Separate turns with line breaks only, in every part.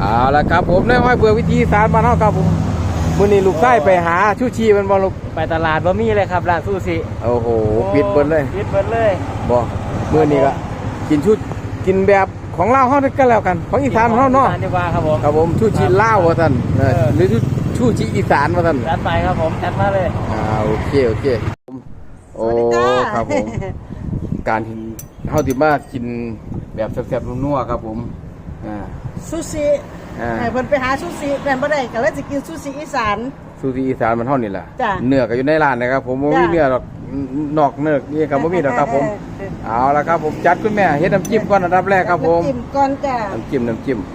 เอาละครับผมได้ห้อยเบื่อวิธีสารบ้านเฮาครับผมมื้อนี้ลูกชายไปหาชูชีมันบ่ลูก
ไปตลาดบ่มีเลยครับร้านซูชิ
โอ้โหปิดเบิดเลย
ปิดเบิดเลย
บ่มื้อนี้ก็กินแบบของลาวเฮาก็แล้วกันของอีสานเฮาเนาะ
ดีกว่าครับผม
ครับผมชูชีลาวว่าซั่นหรือชูชีอีสานว่าซั่น
จัดไปครับผมจัดมาเลย
โอเคโอ้ครับผมการที่เฮาสิมากินแบบแซ่บๆนัวๆครับผม
ซูชิเพิ่นไปหาซูชิแม่นบ่ได้ก็เลยสิกินซูชิอีสาน
ซูชิอีสานมันเท่านี้แหละเนื้อก็อยู่ในร้านนะครับผมบ่มีเนื้อหรอกนอกเนื้อนี่ก็บ่มีหรอกครับผมเอาละครับผมจัดคุณแม่เฮ็ดน้ำจิ้มก่อนอันดับแรกครับผม
น้ำจิ้มก่อนจ้ะ
น้ำจิ้ม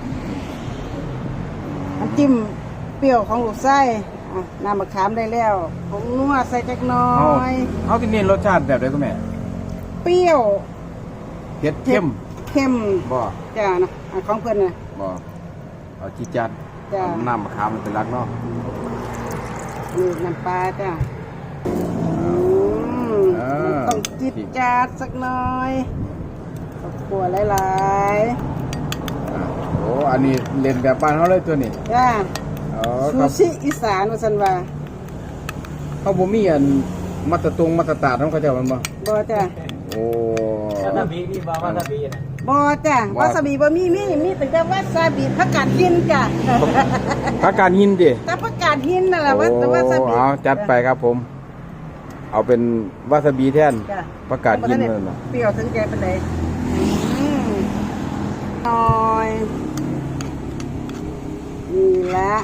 เปรี้ยวของลูกไส้น้ำมะขามได้แล้วผงนัวใส่จักหน่อย
เฮาสิเน้นรสชาติแบบใดคุณแม่
เปรี้ยว
เผ็ดเข้มบ่
จ้ะนะของเพิ่นน่ะ
บ่เอาจิจัดน้ำมะขามเป็นหลักเนาะ
นี่น้ำปลาจ้ะต้องจิตจัดสักหน่อยขัวหลาย
โอ้อันนี้เล่นแบบบ้านเฮาเลยตัวนี้
จ้ะซูชิอีสานว่าซั่นว่า
เขาบ่มีอันมาตรฐานของเขาเจ้ามันบ่
จ้ะ
โอ้
วาซาบิมีบ่วาซาบิน่ะ
จ้ะวาซาบิบ่มีแต่วาซาบิผักกาดหินจ้ะ
ผักกาดหินดิ
แต่ผักกาดหินนั่นแหละวาซาบิ
เอาจัดไปครับผมเอาเป็นวาซาบิแทนผักกาดหินนั่นน่ะ
เปรี้ยวถึงใจปานใดหน่อยนี่ละ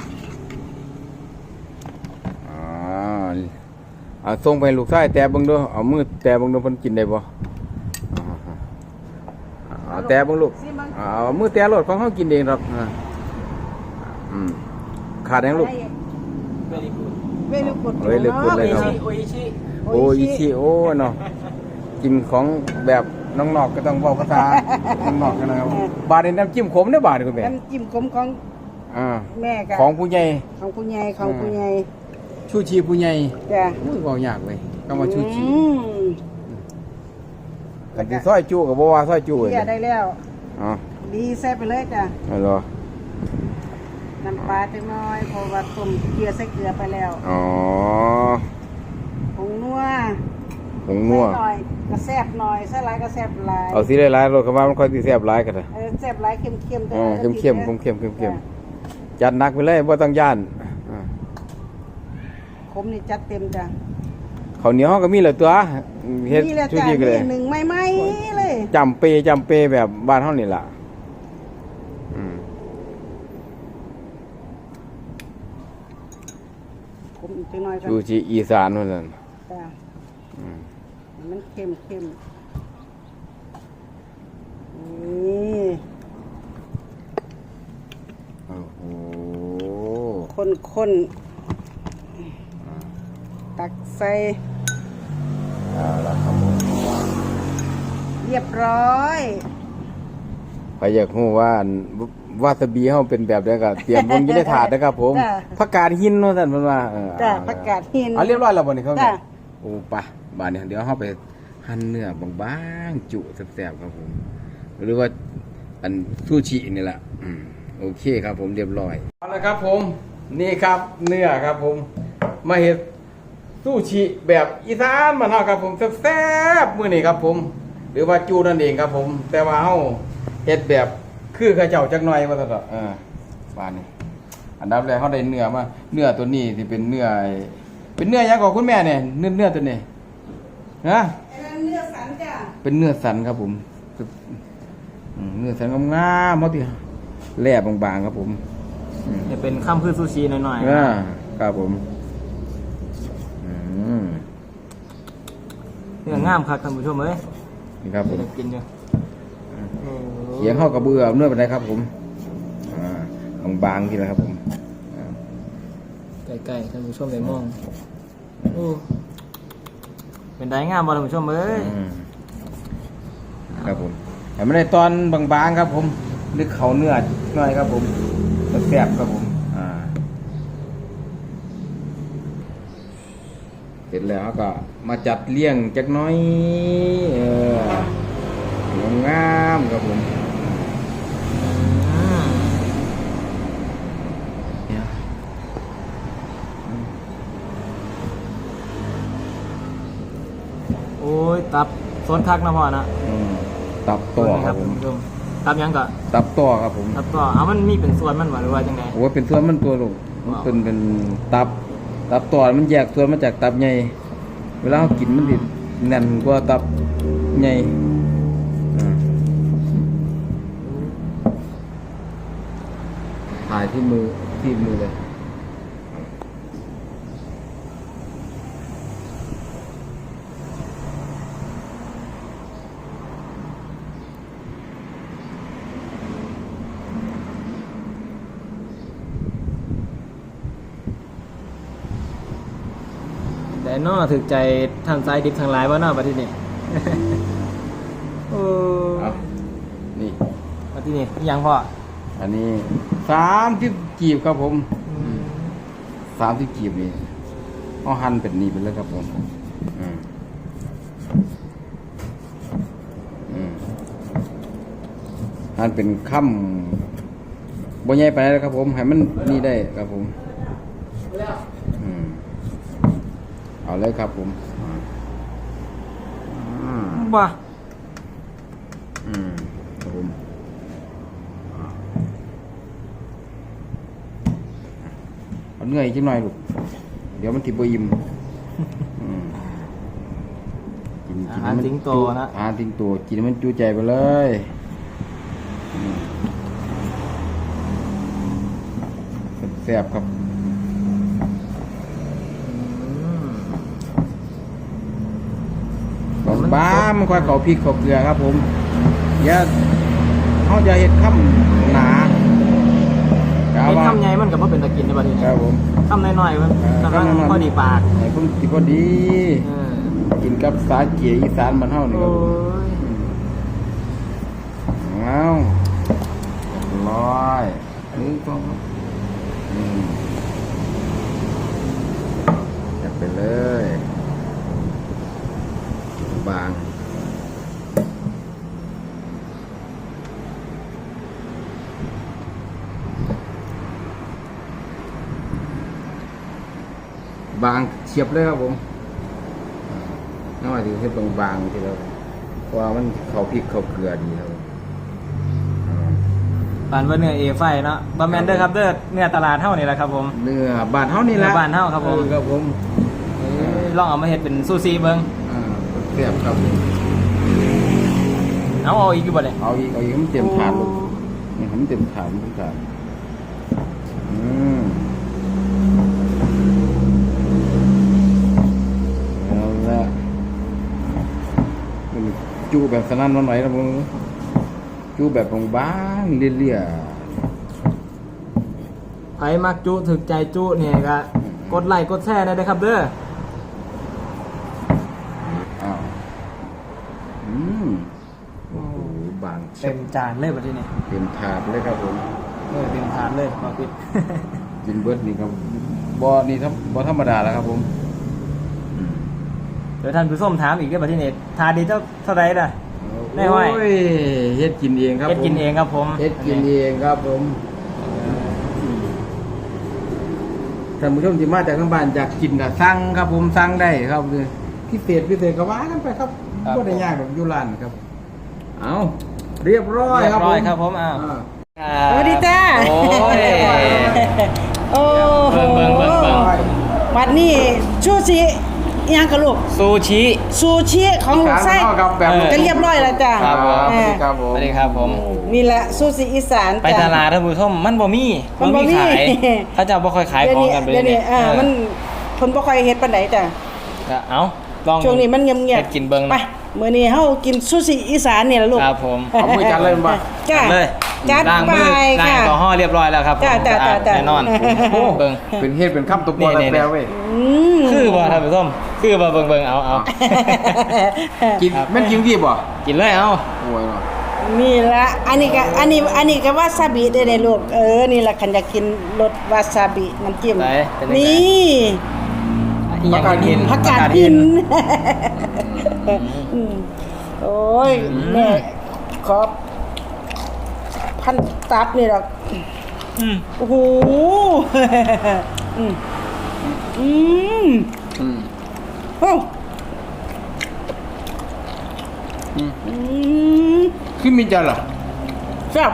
ส่งไปลูกชายแต่เบิ่งดูเอามือแต่เบิ่งดูเพิ่นกินได้บ่แต่เบิ่งลูกเอามือแต่รถของเฮากินเองหรอกขาดแดงลูก
เวลุกุด
เลยครับโออิชิโอเนาะกินของแบบน้องนอกก็ต้องเว้าภาษาน้องนอกกันนะครับบาดนี้น้ำจิ้มขมเด้อบาดนี่คุณแม่
น้ำจิ้มขมของแม่ก็
ของผู้ใหญ่ชูชีผู้ใหญ่
จ้ะ
มึงก็ยากเว้ยก็มาชูชีกันที่ซอยจูกับบ่ว่าซอยจูเลย
ได้แล้วดีแซ่บไปเลยจ้ะ
อ๋อ
น้ำปลาจังน้อยเพราะว่าต้มเกลือใส่เกลือไปแล้วผงนัวหน่อยกระแซบหน่อยใส่หลายกระแซบหลาย
เอาสิหลายๆรสเข้ามามันค่อยสิแซ่บหลายกันเด้อ
แซ่บหลายเข้ม
เข้มจัดหนักไปเลยบ่ต้องย่าน
ขมนี่จัดเต็มจ้ะ
ข้าวเหนียวก็มีแล้วตัวเฮ็ดชูชีก็เลย
หนึ่งไม่เลย
จำเปแบบบ้านเฮานี่ล่ะ
ขมอีกจังน้อย
ชูชีอีสานว่าซั่น
จ้ะมันเข้มนี่
โอ้โห
คนตักใส่
ละครับผม
เรียบร้อย
ใครอยากรู้ว่าวาซาบิเฮาเป็นแบบใดก็เตรียมลงอยู่ในถาดนะครับผมผักกาดหินว่าซั่นเพิ่นว่า
จ้ะผักกาดหิน
เรียบร้อยแล้วบ่นี่ครับโอ้ปะบาดนี้เดี๋ยวเฮาไปหั่นเนื้อบางๆจุแซ่บๆครับผมหรือว่าอันซูชินี่แหละโอเคครับผมเรียบร้อยเอาละครับผมนี่ครับเนื้อครับผมมาเฮ็ดซูชิแบบอีสานบ้านเฮาครับผมแซ่บๆมื้อนี้ครับผมหรือว่าจูนั่นเองครับผมแต่ว่าเฮาเฮ็ดแบบคือเขาเจ้าจักหน่อยว่าซั่นบ้านนี้อันดับแรกเฮาได้เนื้อมาเนื้อตัวนี้สิเป็นเนื้อหยังของคุณแม่เนี่ยเนื้อตัวนี้ฮะ
เนื้อสันจ้ะ
เป็นเนื้อสันครับผมเนื้อสันงามๆเฮาติแล่บางๆครับผม
จะเป็นข้ามพืชซูชิหน่อย
ๆครับผม
เนื้องามครับท่านผู้ชมเอ้ย
นี่ครับผม
กินอยู่
เขียงเข้ากระเบื้อเนื้อเป็นไรครับผมบางๆทีนะครับผม
ใกล้ๆท่านผู้ชมได้มองเป็นได้งามบ่ท่านผู้ชมเอ้ย
ครับผมแต่ไม่ได้ตอนบางๆครับผมนึกเขาเนื้อหน่อยครับผมแซ่บครับผมเสร็จแล้วก็มาจัดเลี้ยงจักน้อยงามครับผม
สวนคักนะพ่อนะ
ตับต่อครับผม
ท่านผู้ชมตับยังก็
ตับต่อครับผม
ตับต่อเอามันมีเป็นส่วนมันบ่หรือว่าจังได
โอ้ยเป็นส่วนมันตัวลูกมันเป็นตับต่อมันแยกส่วนมาจากตับใหญ่เวลาเรากินมันดิแน่นกว่าตับใหญ่ถ่ายที่มือเลย
แต่นอถึกใจทางซ้ายดิบทางหลายบ่เนาะบัดทีนี้
เอานี่
บัดทีนี้อีหยังพ่อ
อันนี้30กีบครับผม30กีบนี่เอาหั่นเป็นนี่ไปเลยครับผมหั่นเป็นค่ำบ่ใหญ่ไปแล้วครับผมให้มันนี่ได้ครับผมเอาเลยครับผม
บ่
ครับผมเอาเนื้ออีกจังหน่อยลูกเดี๋ยวมันติดบ่อิ่มกิน
อาหารสิงโตนะ
อาหารสิงโตกินให้มันจูใจไปเลยแซ่บครับบ้ามันค่อยเขาพริกเขาเกลือครับผมอย่าเขาจะเห็ดข้ำหนา
เป็นคำใหญ่มันก็บ่เป็นตะกินในบัดนี้
ครับผม
คำน้อยๆมันกำลังพอดีปาก
ไอ้ผมติพอดี กินกับสาเกียอีสานมันเท่านี่ครับผมเอาร้อยนี่ก็จัดไปเลยบางบางเฉียบเลยครับผมน้อยถือให้บางๆทีแล้วเพราะว่ามันเขาพริกเขาเกลือดีครับ
ปานว่าเนื้อเอไฟเนาะบ่แม่นเด้อครับเด้อเนื้อตลาดเฮานี่แหละครับผม
เนื้อบานเท่านี่แหละ
เนื้อบ้านเฮาครับผม
ครับผม
ลองเอามาเฮ็ดเป็นซูชิเบิ่ง
เสียบครับ
เอาอีกอยู่บ่เนี่ย
เอาอีกให้มันเต็มถาดลูกนี่ให้มันเต็มถาดเอาละจูแบบสนั่นวันไหวนะผมจูแบบบางๆเลี่ย
ไผมักจุถึกใจจุเนี่ยก็กดไลค์กดแชร์ได้เด้อครับเด้อ
อ้าวโอ้โหบาง
เต็มจานเลยบัดนี้
เต็มถาดเลยครับผม
เต็มถาดเลยบ่ปิด
กินเบิร์ดนี่ครับบ่นี่บ่ธรรมดาแล้วครับผม
เดี๋ยวท่านผู้ชมถามอีกเด้อบัดนี้ถาดนี้เท่าใดล่ะ ได้ไว้
โอ้ยเฮ็ดกินเองครับ
เฮ็ดกินเองครับผม
เฮ็ดกินเองครับผมท่านผู้ชมที่มาจากทางบ้านอยากกินก็สั่งครับผมสั่งได้ครับพิเศษก็ว่ากันไปครับบ่ได้ยากแบบอยู่ร้านครับเอาเรียบร้อย
เรีย
ครับ
บ
ผ
ร้อย
ม
ครับผมอ้าว
สวัสดีจ้า
โอ้ย
โอ้โห
เบิ่ง
บัดนี้ชูชิอิหยังกับลูก
ซูชิ
ซูชิของลูกไส้
ครับแบบ
จะเรียบร้อยแล้วจ้า
ครับผม
เออ
ครับผม
สวัสดีครับผม
นี่แหละซูชิอีสาน
ไปตลาดท่านผู้ชมมันบ่มี
มันบ่มี
ขายเขาจะบ่ค่อยขายของกันไป
เดี๋ยวนี้
เออ
มันคนบ่ค่อยเฮ็ดปานใดจ้ะ
ก็เอาลอง
ช่วงนี้มันเงียบ
เฮ็ดกินเบิ่ง
ไปมื้อนี้เฮากินซูชิอีสานนี่ล่ะลูก
ครับผม
เอามือจัดเลยบ่
จ้า
เลย
จัด
ล้าง
ไป
มือล้าง
ค่ะ
แอลกอฮอล์เรียบร้อยแล้วครับผม
จ้า
สะอาด
จ้า
แน่นอน
โอ้
เบิ่ง
เป็นเฮ็ดเป็นคำตบบ่
นี่
แปลเว้ย
อืม
คือบ่ท่านผู้ชมคือบ่เบิ่งเอา
กินแม่นกินดีบ่
กินเลยเอา
โอ้ยเนาะ
นี่ละอันนี้ก็วาซาบิได้เลยลูกนี่ละคันอยากกินรสวาซาบิน้ำจิ้ม
ไหนเป็นยังไง
นี่
อีหยังกิน
ผักกาดหินโอ้ยแม่ขอพันตับนี่หรอก
อืม
โอ้โหอืมโอ้อืม
ขึ้นมีจันเหรอ
แซ่บ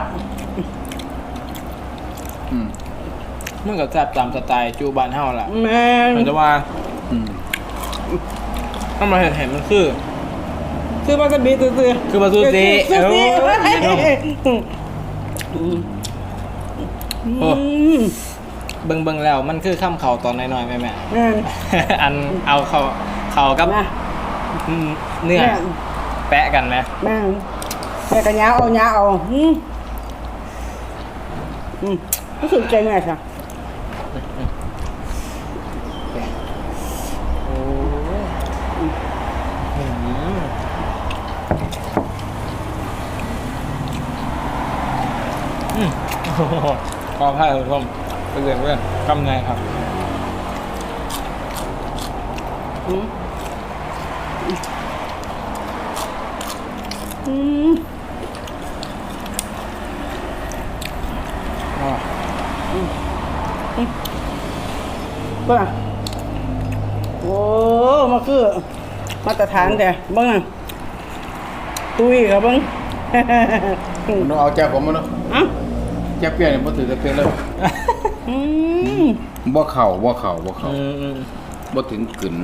มันก็แซ่บตามสไตล์จูบานเฮาล่ะ
แม่น
แต่ว่าถ้ามาเห็นมันคือ
คือวาซาบิซื่อๆ
คือวาซาบิ
ซื่อ
โอ้ย
ๆ
โอ้ เบิ่งแล้วมันคือข้ามเขาตอนน้อยๆแม่
แม่น
อันเอาเขากับ
นะ
เนื้อแปะกันไหม
แม่นแม่ก็ยาเอารู้สึกใจแม่ค่ะ
โอ้ขอพายคุณผู้ชมไปเรียนเพื่อนกำไงครับ
อืมอืม บ้าโอ้มาคือมาตรฐานแต่เบิ้งอะตุ้ยครับเบิ้ง
มันต้องเอาแจ่วผมมาเนาะ
อ่ะ
แจ่วเปรี้ยวเนี่ยบ่ถือจะเปรี้ยวเลย
อืม
บ่เข่าบ่ถึงกึ่น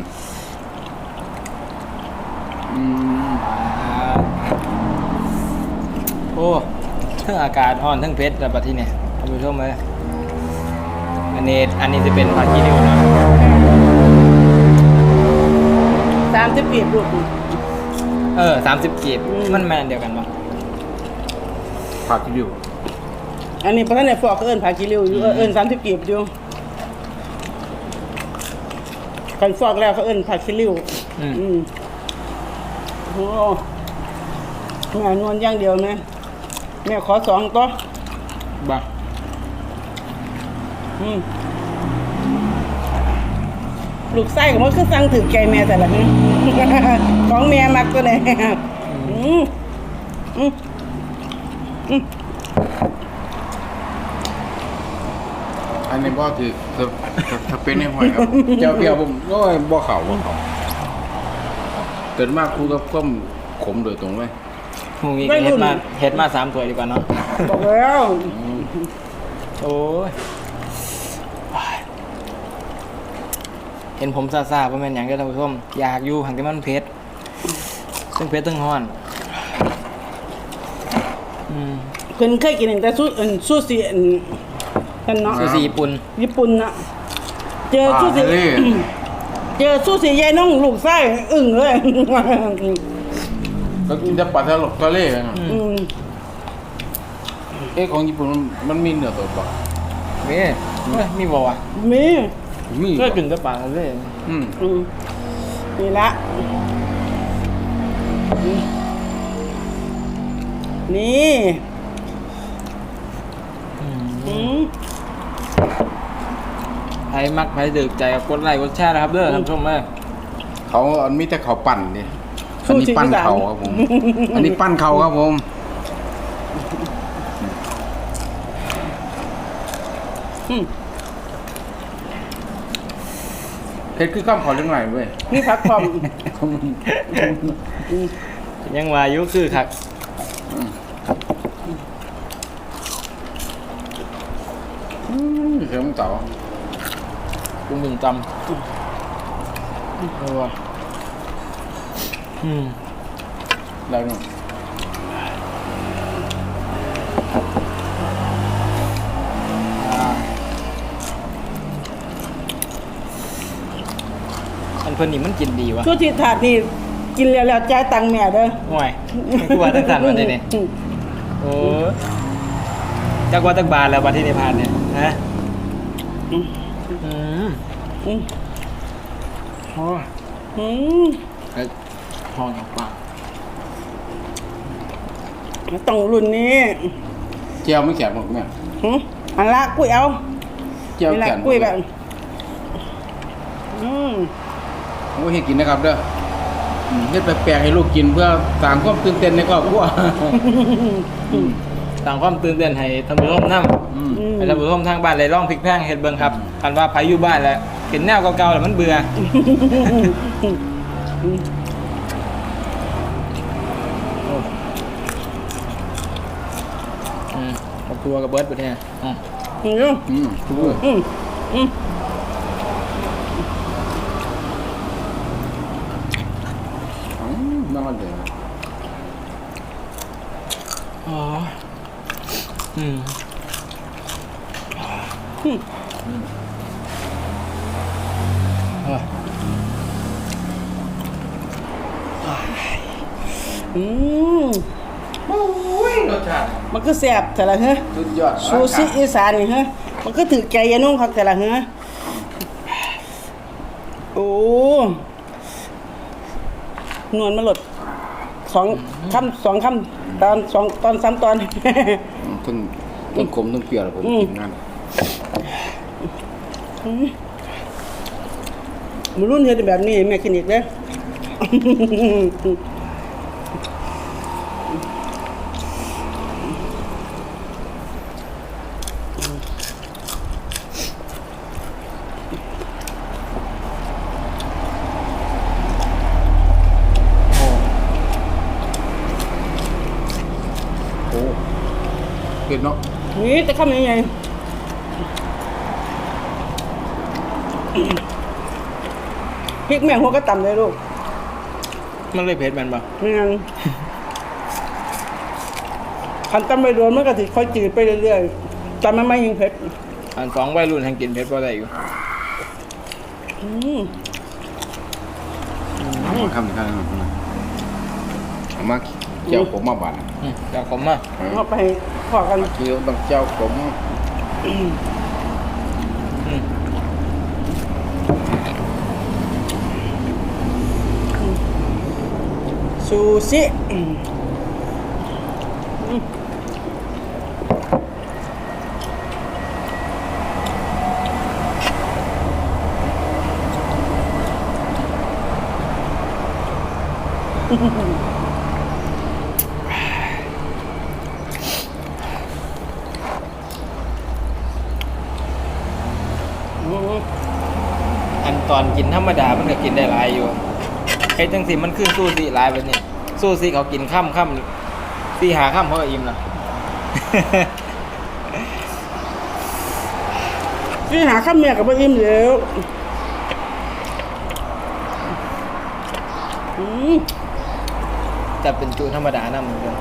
โอ้ทั้งอากาศร้อนทั้งเพชรแต่ปัจจุบันเนี่ยท่านผู้ชมเลยอันนี้จะเป็นผักกีริ้วเนาะ
30 ปีบลูก
30 กีบมันแมนเดียวกันปะ
ผักที่อยู่
อันนี้เพราะฉะนั้นฟอกก็เอิ้นผักกิริ้วอยู่เอิ้น30 ปีบอยู่กันฟอกแล้วเขาเอิ้นผักกิริ้วโอ้แม่นวลอย่างเดียวนะแม่ขอ2ตัว
บ้า
ลูกไส้ของมันคือสั่งถือใจแม่แต่ละนี้ ของแม่มักตัวไหน
อันนี้บ่ถือถ้าเป็นในหอยครับแจ่วเปรี้ยวผมโอ้ยบ่เข่าเกิดมากคู่กับก้มขมโดยตรงเลย
พรุ่งนี้เฮ็ดมา3 ถ้วยดีกว่าเนาะ
บอกแล้ว
โอ้ยเห็นผมซาๆว่าแม่นหยังเด้อท่านผู้ชมอยากอยู่หังแต่มันเผ็ดทั้งเผ็ดทั้งร้อน
เพิ่นเคยกินแต่ซูชิกันเนาะ
ซูชิญี่ปุ่น
ญี่ปุ่นน่ะเจอซูชิเจอซูชิยายน้องลูกไส้อึ้งเลย
ก็กินแต่ปลาทะเลนะของญี่ปุ่นมันมีเนื้อสดป่ะ
มีบ่วะ
มี
มี
ก็กินแต่ปลาทะเล
นี่ละนี่
ใครมักใครดึกใจก็กดไลค์กดแชร์นะครับเด้อท่านผู้ชมเอ้ย
เขามีแต่เขาปั่นดิอันนี้ปั้นเขาครับผม อันนี้ปั้นเขาครับผมเพชรคือข้ามขอเรื่องไหนเว้ย
นี่พักผ่อน
ยังว่าอายุคือคัก
เสือมึงเต่า
กุ้งหนึ่งจำว่ะ
แล้วนู่น
อันเพิ่นนี่มันกินดีวะ
ซูชิถาดนี่กินแล้วจ่ายตังค์แม่เด้อ
ห่วยมันกลัวตั้งแต่วันนี้เนี่ยโอ้จักว่าตักบาทแล้ววันที่ได้ผ่านเนี่ยฮะโอ้ห้องปาก
ต้องรุ่นนี้
เจียวไม่แข็งหรอกแม่
อันละกุ้ยเอา
เจียว
นี่ละ
แข็ง
กุ้ยแบบ
ผมก็ให้กินนะครับเด้อเฮ็ดแปลกๆให้ลูกกินเพื่อสร้างความตื่นเต้นในครอบครัว
ต่างความตื่นเต้นให้ท่านผู้ชมนั่งให้ท่านผู้ชมทางบ้านเลยลองพลิกแพลงเฮ็ดเบิ่งครับคันว่าไผอยู่บ้านแล้วเห็นแนวเก่าๆแล้วมันเบื่อ
อ
กับตัวกับเบิร์ดไปเนี่ย
เนาะ
ทุกคน น่าเลย
อ๋อรสชาติ
มันก็แซ่บแต่ละเฮ้ย
สุดยอด
ซูชิอีสานนี่เฮ้ยมันก็ถือใจยานุ่งครับแต่ละเฮ้ยโอ้นวลมาหลด2 คำตอน3 ตอน
ทั้งขมทั้งเปรี้ยวผมกินงาน
มันรุ่นเฮ็ดแบบนี้แม่กินอีกเด้อ
โอ้เผ็ดเนาะ
นี่จะคำยังไงพริกแม่หัวก็ต่ำเลยลูก
มันเลยเผ็ดมันปะ
นี่งั้นคันตำไปโดนมันก็สิค่อยจืดไปเรื่อยๆแต่มันไม่ยิงเผ็ด
อันสองวัยรุ่นแห่งกินเผ็ดพอได้อยู่
คำหนึ่งคำหนึ่งเอามาเจ้าผมมาบาด
อยากขมมาก
เอาไปพอกัน
เคี้ยวต้องเจ้าผม
ซูชิ
อันตอนกินธรรมดามันก็กินได้หลายอยู่ไอ้จังสิมันคือซูซิหลายไปเนี่ยซูซิเขากินค่ำตีหาค่ำเขาก็อิ่มนะ
ที่หาข้าวเมียกับบ่อิ่มแล้ว
จะเป็นจูธรรมดานะเหมือนกัน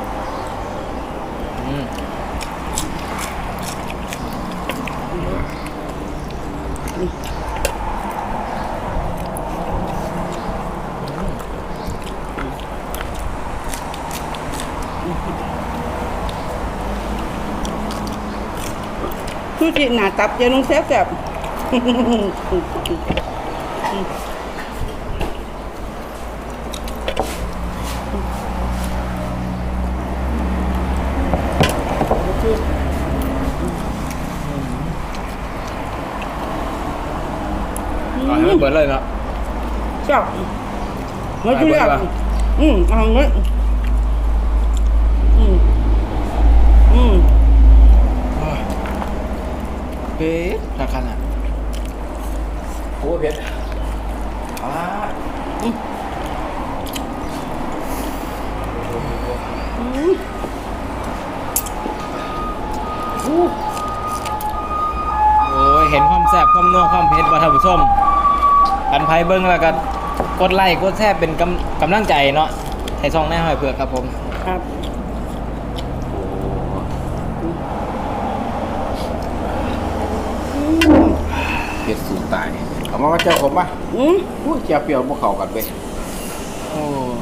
ซูชิหนาตับเจนุ่งแซ่บ
ก่อนให้มันเปิดเลยเนาะ
แซ่บไม่ทุเรียนเอาเงี้ย
เผ็ดราคาน่ะโอ้เผ็ดโอ้ยเห็นความแซ่บความนัวความเผ็ดว่าท่านผู้ชมอันไพเบิ้งแล้วก็กดไลค์กดแซ่บเป็นกำลังใจเนาะให้ซองแน่หอยเผือกครับผม
ครับ
เผ็ดสูตรตายเอามาเจ้าผมมาอุ้ยเจ้าเปรี้ยวพวกเขากันไป
โอ้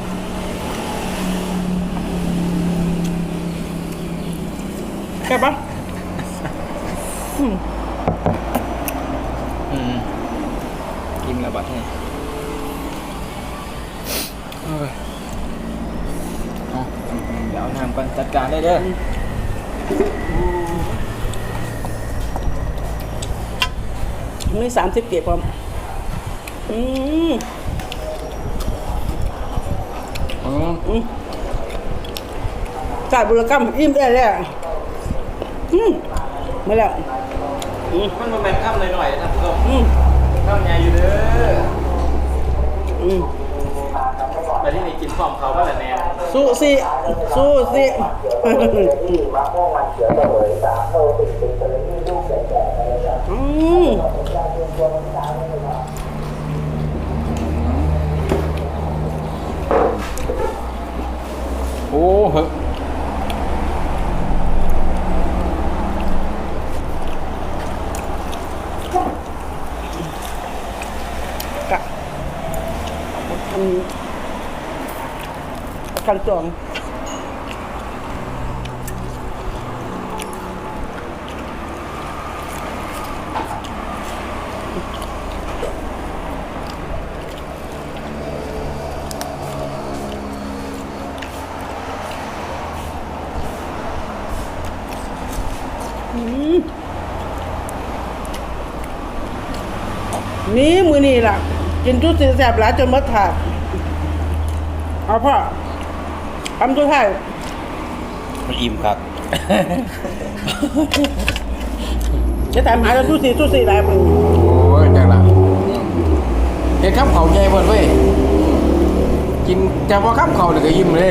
แซ่บปะ
กินระบาดให้เดี๋ยวเอาน้ำกันจัดการได้เด้อ
มี30 เก็บความจ่ายบุรกรรมอิ่มได้แล้วมาแล้ว
มันมาแบ่งข้ามหน่อยๆนะผู้ชมข้ามใหญ่อยู่เด้อแต่ที่นี่กินพร้อมเขาก็แหละแน่
สู้สิสู้สิ อืม
โอ้เฮ้ย
กะกันจองนี่มือนี่ล่ะ กินจุดสีแสบหลายจนหมดถาดเอาพ่อทำตัวไทาย
มันอิ่มครับ
จะถามหาจุดสีหลายมือ
โอ้ยจังละเห็นข้าวเขาใหญ่เบิดเว้ยกินแต่พอข้าวเขาเนี่ยก็ยิ้มเลย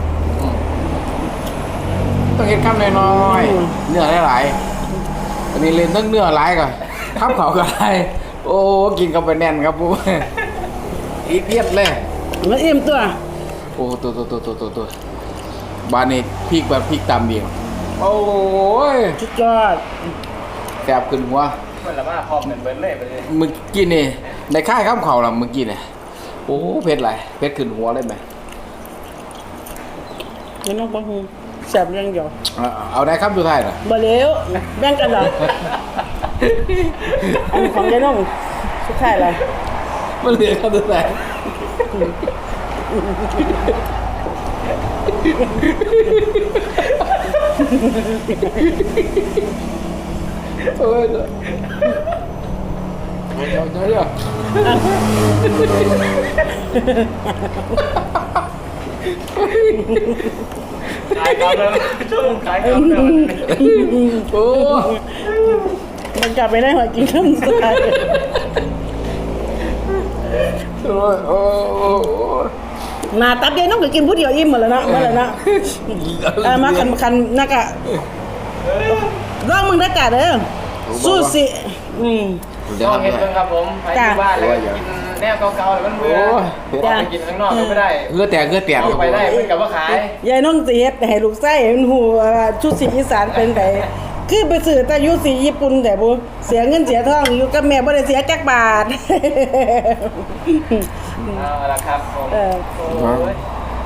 ต้องเห็นข้าวน้อยๆเนื้อหลายๆอันนี้เล่นตั้งเนื้อหลายก่อนข้าวเขาก็หลายโอ้กินเข้าไปแน่นครับปุ๊อีกเพียบเลย
มันอิ่มตัว
โอ้ตัวบ้านนี้พริกแบบพริกตำเองโอ้ย
สุดยอด
แสบขึ้นหัว
มันละว่าพร้อมกันเบิ้ลเลยไปเลย
เมื่อกี้นี่ในค่ายข้ามเขาล่ะเมื่อกี้เนี่ยโอ้เผ็ดไรเผ็ดขึ้นหัวเลยไหม
ไม่ต้องบังฮูแสบเรื่องเดียว
เอาได้ครับดูไทายน่ะ
บ่เลวแบ่งกันเหรออันของยายน้องสุดท้ายเลย
มันเหลือครับดูไทายโอ้ยเดี๋ยว
ขายกำเลยช่วงขายกำเลย
โอ้
มันกลับไปได้หัวกินข้าวสุดท้าย
โอ้
หนาตัดยายน้องก็กินผู้เดียวอิ่มหมดแล้วนะเมื่อไหร่นะมาคันนักอะลองมึงได้จ่าเด้อสู้สิ
เดี๋ยว
ต้องเห็นกันครับผมไปที่บ้านแล้วกินแนวเก่าๆแล้วมันเบื่อไปกินข้างนอกก็ไม่ได้
เงือแตก
ไปได้เพื่อนกับว่าขาย
ยายน้องสิเฮ็ดให้ลูกไส้เห็นหูชุดสีอีสานเป็นไงคือไปซื้อแต่ยุสีญี่ปุ่นแต่บ่เสียเงินเสียทองอยู่กับแม่บ่ได้เสียจักบาท
เอาละครับผมโอ้ย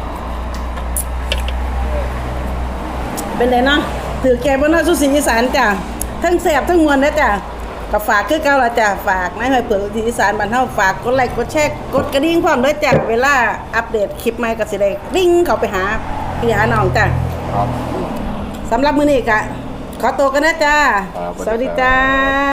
เป็นไงเนาะถือแกบ่เนาะชุดสีอีสานจ้ะทั้งแซ่บทั้งมวลนะจ้ะก็ฝากคือเก่าล่ะจ้ะฝากนายห้อยเปิดชุดสีอีสานบ้านเฮาฝากกดไลค์กดแชร์กดกระดิ่งพร้อมด้วยจ้ะเวลาอัปเดตคลิปใหม่ก็สิได้วิ่งเข้าไปหาพี่หาน้องจ้ะ
ครับ
สำหรับมื้อนี้ก็ขอตัวกันนะจ้า
ครับ
สวัสดีจ้า